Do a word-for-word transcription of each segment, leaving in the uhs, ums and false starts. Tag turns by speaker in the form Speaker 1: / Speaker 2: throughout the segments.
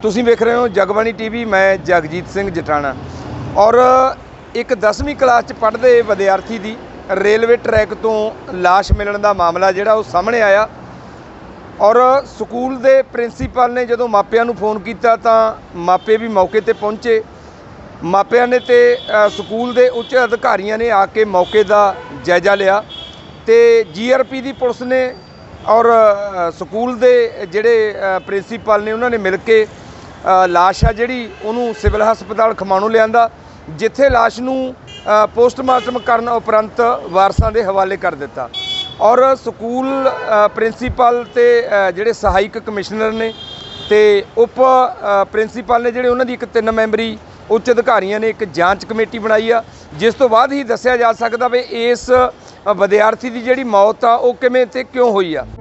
Speaker 1: तुसीं वेख रहे हो जगबाणी टीवी। मैं जगजीत सिंह जटाणा। और एक दसवीं क्लास च पढ़दे विद्यार्थी की रेलवे ट्रैक तो लाश मिलण का मामला जिहड़ा वो सामने आया। और स्कूल के प्रिंसीपल ने जदों मापिਆਂ ਨੂੰ फोन किया तो मापे भी मौके पर पहुँचे। मापिਆਂ ने तो स्कूल के उच्च अधिकारियों ने आके मौके का जायजा लिया तो जी आर पी की पुलिस ने और स्कूल के जिहड़े प्रिंसीपल ने उन्होंने मिल के लाश आ जिहड़ी उहनूं सिविल हस्पताल खमाणों लिआंदा, जिथे लाश नूं पोस्टमार्टम करन उपरंत वारसां दे हवाले कर दिता। और स्कूल प्रिंसीपल ते जिहड़े सहायक कमिश्नर ने ते उप प्रिंसीपल ने जिहड़े उन्हां दी एक तीन मैंबरी उच्च अधिकारियों ने एक जांच कमेटी बनाई आ, जिस तो बाद ही दस्सिया जा सकदा भी इस विद्यार्थी की जिहड़ी मौत आ वो किवें ते क्यों हुई आ।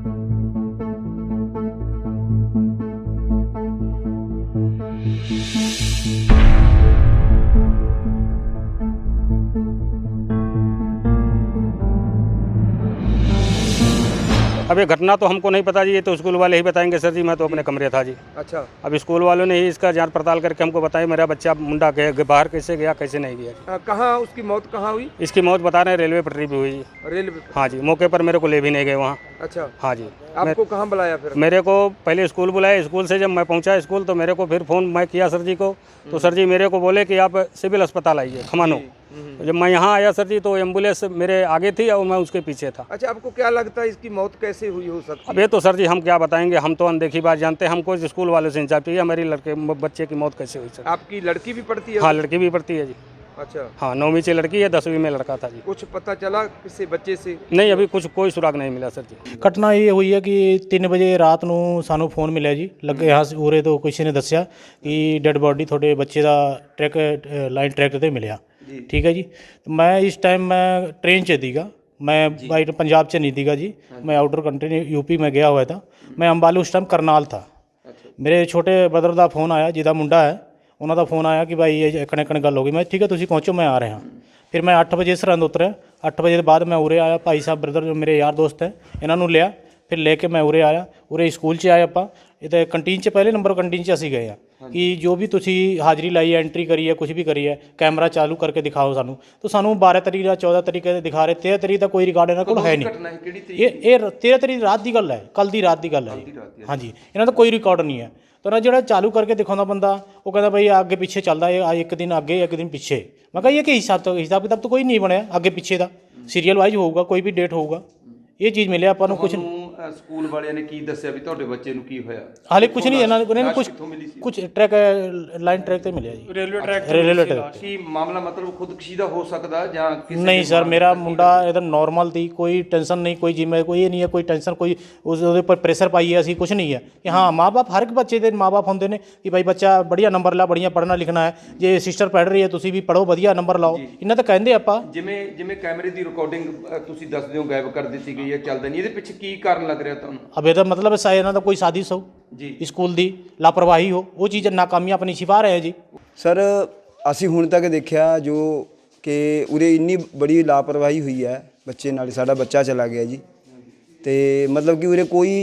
Speaker 2: अब ये घटना तो हमको नहीं पता जी, ये तो स्कूल वाले ही बताएंगे सर जी। मैं तो अपने कमरे था जी।
Speaker 1: अच्छा।
Speaker 2: अब स्कूल वालों ने ही इसका जांच पड़ताल करके हमको बताया मेरा बच्चा मुंडा गया बाहर कैसे गया कैसे नहीं गया।
Speaker 1: कहाँ उसकी मौत कहाँ हुई?
Speaker 2: इसकी मौत बता रहे हैं रेलवे पटरी पे हुई।
Speaker 1: रेलवे?
Speaker 2: हाँ जी, मौके पर मेरे को ले भी नहीं गए वहाँ।
Speaker 1: अच्छा।
Speaker 2: हाँ जी।
Speaker 1: आपको कहाँ बुलाया फिर? मेरे
Speaker 2: को पहले स्कूल बुलाया। स्कूल से जब मैं पहुँचा स्कूल तो मेरे को फिर फ़ोन मैं किया सर जी को, तो सर जी मेरे को बोले कि आप सिविल अस्पताल आइए खमानो। जब मैं यहाँ आया सर जी तो एम्बुलेंस मेरे आगे थी और मैं उसके पीछे था।
Speaker 1: अच्छा, आपको क्या लगता है इसकी मौत कैसे हुई हो सकती है?
Speaker 2: अब ये तो सर जी हम क्या बताएंगे, हम तो अनदेखी बात जानते हैं। हमको स्कूल वालों से इंसाफ चाहिए मेरी लड़के बच्चे की मौत कैसे हुई सर।
Speaker 1: आपकी लड़की भी पढ़ती है?
Speaker 2: हाँ, लड़की भी पढ़ती है जी।
Speaker 1: अच्छा। हाँ,
Speaker 2: नौवीं से लड़की है, दसवीं में लड़का था जी।
Speaker 1: कुछ पता चला किसी बच्चे से?
Speaker 2: नहीं, अभी कुछ कोई सुराग नहीं मिला सर जी।
Speaker 3: घटना ये हुई है कि तीन बजे रात ਨੂੰ ਸਾਨੂੰ ਫੋਨ ਮਿਲਿਆ ਜੀ ਲੱਗੇ ਹਾਂ ਉਰੇ ਤੋਂ ਕਿਸੇ ਨੇ ਦੱਸਿਆ ਕਿ ਡੈੱਡ ਬੋਡੀ ਤੁਹਾਡੇ ਬੱਚੇ ਦਾ ਟਰੈਕ ਲਾਈਨ ਟਰੈਕ ਤੇ ਮਿਲਿਆ। ਠੀਕ ਹੈ ਜੀ। ਮੈਂ ਇਸ ਟਾਈਮ ਮੈਂ ट्रेन 'ਚ ਸੀਗਾ, मैं बाइट पंजाब से नहीं थीगा जी। मैं आउटर कंट्री यूपी में गया हुआ था। मैं अंबाले उस टाइम करनाल था। मेरे छोटे ब्रदर का फोन आया जिहदा मुंडा है, उन्होंने फ़ोन आया कि भाई ये कने कने गल हो गई। मैं ठीक है तुसीं पहुँचो मैं आ रहा। फिर मैं अठ बजे सरहंद उतरिया। अठ बजे बाद मैं उरे आया। भाई साहब ब्रदर जो मेरे यार दोस्त है इन्हों लिया, फिर लेके मैं उरे आया। उरे स्कूल च आए आपां इधर कंटीन च पहले नंबर कंटीन च असीं गए आ कि जो भी तुसीं हाज़री लाई है एंट्री करी है कुछ भी करी है कैमरा चालू करके दिखाओ सानू। तो सानू बारह तरीक या चौदह तरीक दिखा रहे, तेरह तरीक का कोई रिकॉर्ड इन्होंने कोल है नहीं। ये ये तेरह तरीक रात की गल है, कल की रात की गल है। हाँ जी, इन्हों का कोई रिकॉर्ड नहीं है। तो ना जो चालू करके दिखाता बंदा वो कहता भाई आगे पीछे चलता है, एक दिन आगे एक दिन पीछे। मैं कहा ये कि हिसाब तो हिसाब किताब तो कोई नहीं बनया आगे पीछे का, सीरीयल वाइज होगा कोई भी डेट होगा। ये चीज़ मिले अपन कुछ
Speaker 1: स्कूल वाले ने की दस्सिया भी तुहाडे बच्चे नूं की होया? हाले
Speaker 3: कुछ नहीं, इन्होंने कुछ कुछ ट्रैक लाइन ट्रैक ते मिले जी, रेलवे ट्रैक रेलवे ट्रैक
Speaker 1: की मामला मतलब खुदकुशी दा हो सकदा जां किसी?
Speaker 3: नहीं सर, मेरा मुंडा एकदम नॉर्मल थी, कोई टेंशन नहीं, कोई जिम्मे कोई ये नहीं है, कोई टेंशन कोई उस पर प्रेशर पाई है असी कुछ नहीं है कि हाँ माँ बाप हर एक बच्चे के माँ बाप होंगे ने कि भाई बच्चा बढ़िया नंबर ला, बढ़िया पढ़ना लिखना है, जे सिस्टर पढ़ रही है तुसीं भी पढ़ो बढ़िया नंबर लाओ, इन्हें तो कहते आपां।
Speaker 1: जिमें जिमें कैमरे की रिकॉर्डिंग तुसीं दसदे हो गायब कर दी गई है, चलदा नहीं, इहदे पिछे की कारण लग रहा तुहानूं?
Speaker 3: अब ਇਹਦਾ मतलब शायद इन्हों का कोई साजिश हो जी, स्कूल की लापरवाही हो, वो चीज़ नाकामियां अपनी छिपा रहे हैं जी।
Speaker 4: सर असी हुण तक देखा जो कि उरे इन्नी बड़ी लापरवाही हुई है बच्चे नाल, साडा बच्चा चला गया जी। तो मतलब कि उरे कोई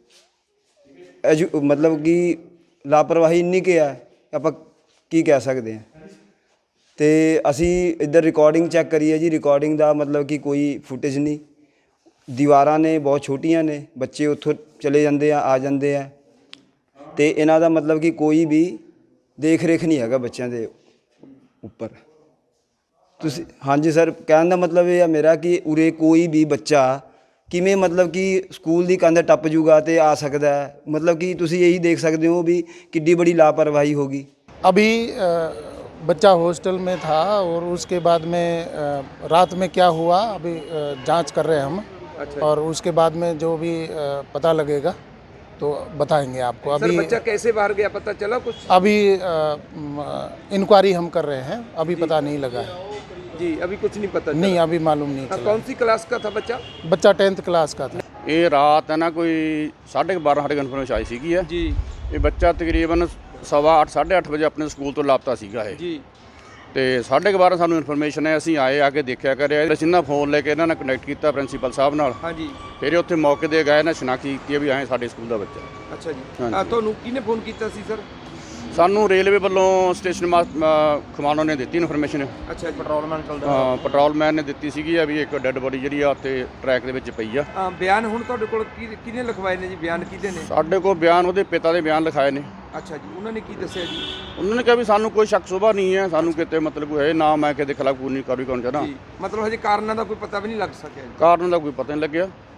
Speaker 4: एजु मतलब कि लापरवाही इन्नी के है आपां की कह सकते हैं। तो असी इधर रिकॉर्डिंग चैक करिए जी, रिकॉर्डिंग का मतलब कि कोई फुटेज नहीं, दीवारां ने बहुत छोटियां ने, बच्चे उत्थों चले जाते हैं आ जाते हैं, तो इन्हां दा मतलब कि कोई भी देख रेख नहीं है बच्चों के उपर। तुसीं हाँ जी सर, कहने का मतलब ये है मेरा कि उरे कोई भी बच्चा किमें मतलब कि स्कूल की कंध टप जूगा तो आ सकता है, मतलब कि तुसीं यही देख सकते हो भी किड्डी बड़ी लापरवाही होगी।
Speaker 5: अभी बच्चा हॉस्टल में था और उसके बाद में रात में क्या हुआ अभी जांच कर रहे हैं हम। अच्छा। और उसके बाद में जो भी पता लगेगा तो बताएंगे आपको। अभी
Speaker 1: बच्चा कैसे बाहर गया पता चला कुछ?
Speaker 5: अभी इंक्वायरी हम कर रहे हैं, अभी पता नहीं लगा है
Speaker 1: जी, अभी कुछ नहीं पता
Speaker 5: नहीं, अभी मालूम नहीं चला।
Speaker 1: कौन सी क्लास का था बच्चा?
Speaker 5: बच्चा टेंथ क्लास का था।
Speaker 2: ये रात है ना कोई साढ़े बारह साढ़े इन्फॉर्मेशन आई सी है जी। ये बच्चा तकरीबन सवा अठ साढ़े अठ बजे अपने स्कूल तो लापता सीगा है जी।
Speaker 6: ਤੇ ਸਾਢੇ ਕੁ ਬਾਰਾਂ ਸਾਨੂੰ ਇਨਫੋਰਮੇਸ਼ਨ ਹੈ, ਅਸੀਂ ਆਏ ਆ ਕੇ ਦੇਖਿਆ ਕਰਿਆ, ਅਸੀਂ ਨਾ ਫੋਨ ਲੈ ਕੇ ਇਹਨਾਂ ਨਾਲ ਕਨੈਕਟ ਕੀਤਾ ਪ੍ਰਿੰਸੀਪਲ ਸਾਹਿਬ ਨਾਲ।
Speaker 1: ਹਾਂਜੀ
Speaker 6: ਫਿਰ ਉੱਥੇ ਮੌਕੇ ਤੇ ਗਏ ਨਾ ਸ਼ਨਾਖੀ ਕੀਤੀ ਵੀ ਐਂ ਸਾਡੇ ਸਕੂਲ ਦਾ ਬੱਚਾ।
Speaker 1: ਅੱਛਾ ਜੀ।
Speaker 6: ਹਾਂਜੀ।
Speaker 1: ਅ, ਤੁਹਾਨੂੰ ਕਿਹਨੇ ਫੋਨ ਕੀਤਾ ਸੀ ਸਰ?
Speaker 6: ਸਾਨੂੰ ਰੇਲਵੇ ਵੱਲੋਂ ਸਟੇਸ਼ਨ ਮਾਸ ਅ, ਖਮਾਣੋਂ ਨੇ ਦਿੱਤੀ ਇਨਫੋਰਮੇਸ਼ਨ।
Speaker 1: ਅੱਛਾ ਜੀ। ਪੈਟਰੋਲਮੈਨ
Speaker 6: ਹਾਂ ਪੈਟਰੋਲਮੈਨ ਨੇ ਦਿੱਤੀ ਸੀਗੀ ਆ ਵੀ ਇੱਕ ਡੈੱਡ ਬੋਡੀ ਜਿਹੜੀ ਆ ਉੱਥੇ ਟਰੈਕ ਦੇ ਵਿੱਚ ਪਈ ਆ।
Speaker 1: ਅ, ਬਿਆਨ ਹੁਣ ਤੁਹਾਡੇ ਕੋਲ ਕੀ ਕਿਹਨੇ ਲਿਖਵਾਏ ਨੇ ਜੀ? ਬਿਆਨ ਕਿਹਦੇ ਨੇ?
Speaker 6: ਸਾਡੇ ਕੋਲ ਬਿਆਨ ਉਹਦੇ ਪਿਤਾ ਦੇ ਬਿਆਨ ਲਿਖਾਏ ਨੇ।
Speaker 1: ਅੱਛਾ ਜੀ। ਉਹਨਾਂ ਨੇ ਕੀ ਦੱਸਿਆ ਜੀ?
Speaker 6: ਉਹਨਾਂ ਨੇ ਕਿਹਾ ਵੀ ਸਾਨੂੰ ਕੋਈ ਸ਼ੱਕ ਸੁਭਾ ਨਹੀਂ ਹੈ, ਸਾਨੂੰ ਕਿਤੇ ਮਤਲਬ ਕੋਈ ਹੈ ਨਾ, ਮੈਂ ਕਿਤੇ ਖਿਲਾਫ ਕੋਈ ਨਹੀਂ ਕਾਰਵਾਈ ਕਰਨਾ ਚਾਹੁੰਦਾ।
Speaker 1: ਜੀ, ਮਤਲਬ ਹਜੇ ਕਾਰਨਾਂ ਦਾ ਕੋਈ ਪਤਾ ਵੀ ਨਹੀਂ ਲੱਗ ਸਕਿਆ ਜੀ?
Speaker 6: ਕਾਰਨ ਦਾ ਕੋਈ ਪਤਾ ਨਹੀਂ ਲੱਗਿਆ।